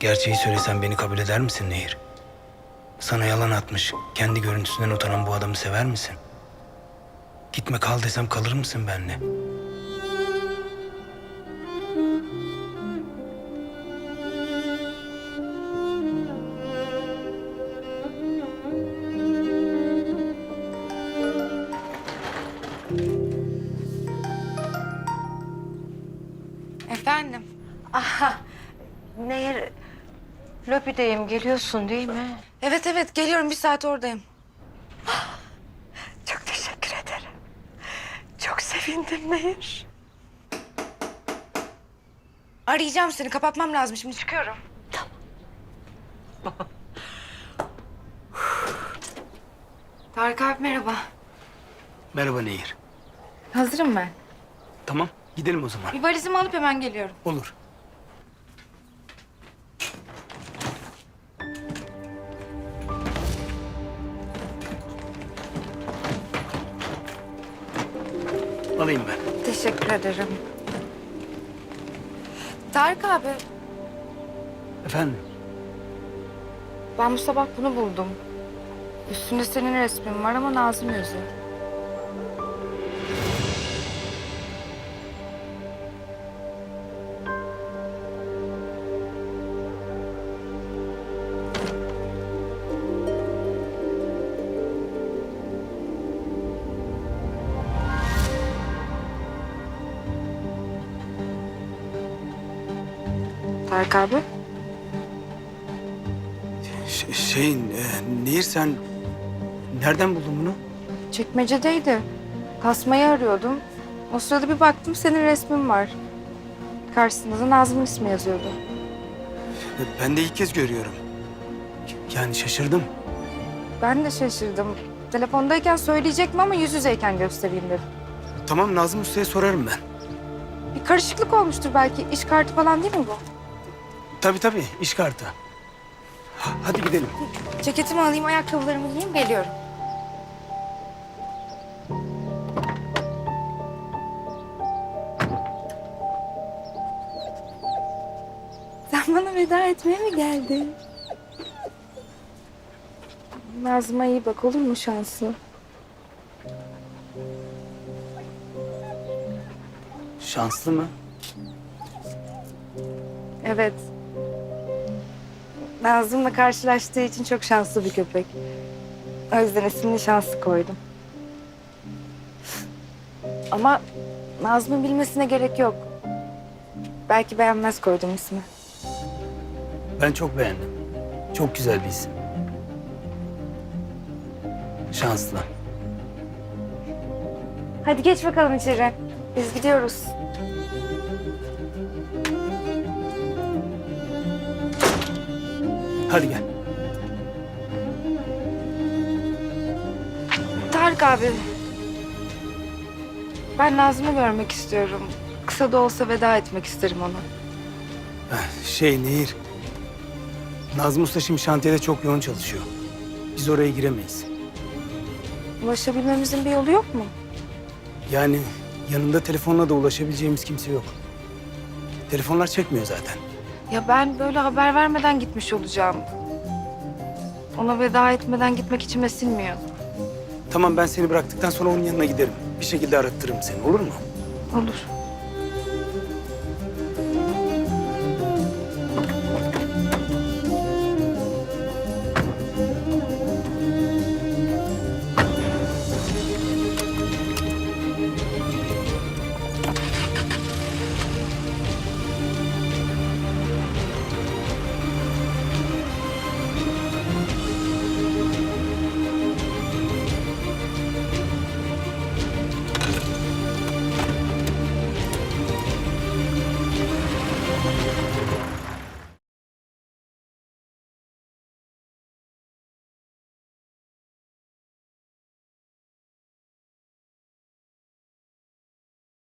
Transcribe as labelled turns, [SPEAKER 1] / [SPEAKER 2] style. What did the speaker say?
[SPEAKER 1] Gerçeği söylesen beni kabul eder misin Nehir? Sana yalan atmış, kendi görüntüsünden utanan bu adamı sever misin? Gitme kal desem kalır mısın benimle?
[SPEAKER 2] Efendim?
[SPEAKER 3] Aha, Nehir, lobideyim. Geliyorsun değil mi?
[SPEAKER 2] Evet evet geliyorum, bir saat oradayım.
[SPEAKER 3] Çok teşekkür ederim. Çok sevindim Nehir.
[SPEAKER 2] Arayacağım seni, kapatmam lazım, şimdi çıkıyorum. Tarık abi merhaba.
[SPEAKER 1] Merhaba Nehir.
[SPEAKER 2] Hazırım ben.
[SPEAKER 1] Tamam, gidelim o zaman.
[SPEAKER 2] Bir valizimi alıp hemen geliyorum.
[SPEAKER 1] Olur. Alayım ben.
[SPEAKER 2] Teşekkür ederim. Tarık abi,
[SPEAKER 1] Efendim?
[SPEAKER 2] ben bu sabah bunu buldum. Üstünde senin resmin var ama Nazım yazıyor. Tarık abi,
[SPEAKER 1] Nehir sen nereden buldun bunu?
[SPEAKER 2] çekmecedeydi. Tasmayı arıyordum. O sırada bir baktım senin resmin var. Karşısında da Nazım'ın ismi yazıyordu.
[SPEAKER 1] Ben de ilk kez görüyorum. Yani şaşırdım.
[SPEAKER 2] Ben de şaşırdım. Telefondayken söyleyecektim ama yüz yüzeyken göstereyim dedim.
[SPEAKER 1] Tamam, Nazım Usta'ya sorarım ben.
[SPEAKER 2] Bir karışıklık olmuştur belki. İş kartı falan değil mi bu?
[SPEAKER 1] Tabii, iş kartı. Hadi gidelim.
[SPEAKER 2] Ceketimi alayım, ayakkabılarımı giyeyim, geliyorum. Sen bana veda etmeye mi geldin? Nazım'a iyi bak, olur mu şanslı?
[SPEAKER 1] Şanslı mı?
[SPEAKER 2] Evet. Nazım'la karşılaştığı için çok şanslı bir köpek. O yüzden ismini Şanslı koydum. Ama Nazım'ın bilmesine gerek yok. Belki beğenmez koydum ismi.
[SPEAKER 1] Ben çok beğendim. Çok güzel bir isim. Şanslı.
[SPEAKER 2] Hadi geç bakalım içeri. Biz gidiyoruz.
[SPEAKER 1] Hadi gel.
[SPEAKER 2] Tarık abi. Ben Nazım'ı görmek istiyorum. Kısa da olsa veda etmek isterim ona.
[SPEAKER 1] Nehir. Nazım Usta şimdi şantiyede çok yoğun çalışıyor. Biz oraya giremeyiz.
[SPEAKER 2] Ulaşabilmemizin bir yolu yok mu?
[SPEAKER 1] Yani yanında telefonla da ulaşabileceğimiz kimse yok. Telefonlar çekmiyor zaten.
[SPEAKER 2] Ya ben böyle haber vermeden gitmiş olacağım. Ona veda etmeden gitmek içime sinmiyor.
[SPEAKER 1] Tamam, ben seni bıraktıktan sonra onun yanına giderim. Bir şekilde arattırırım seni, olur mu?
[SPEAKER 2] Olur.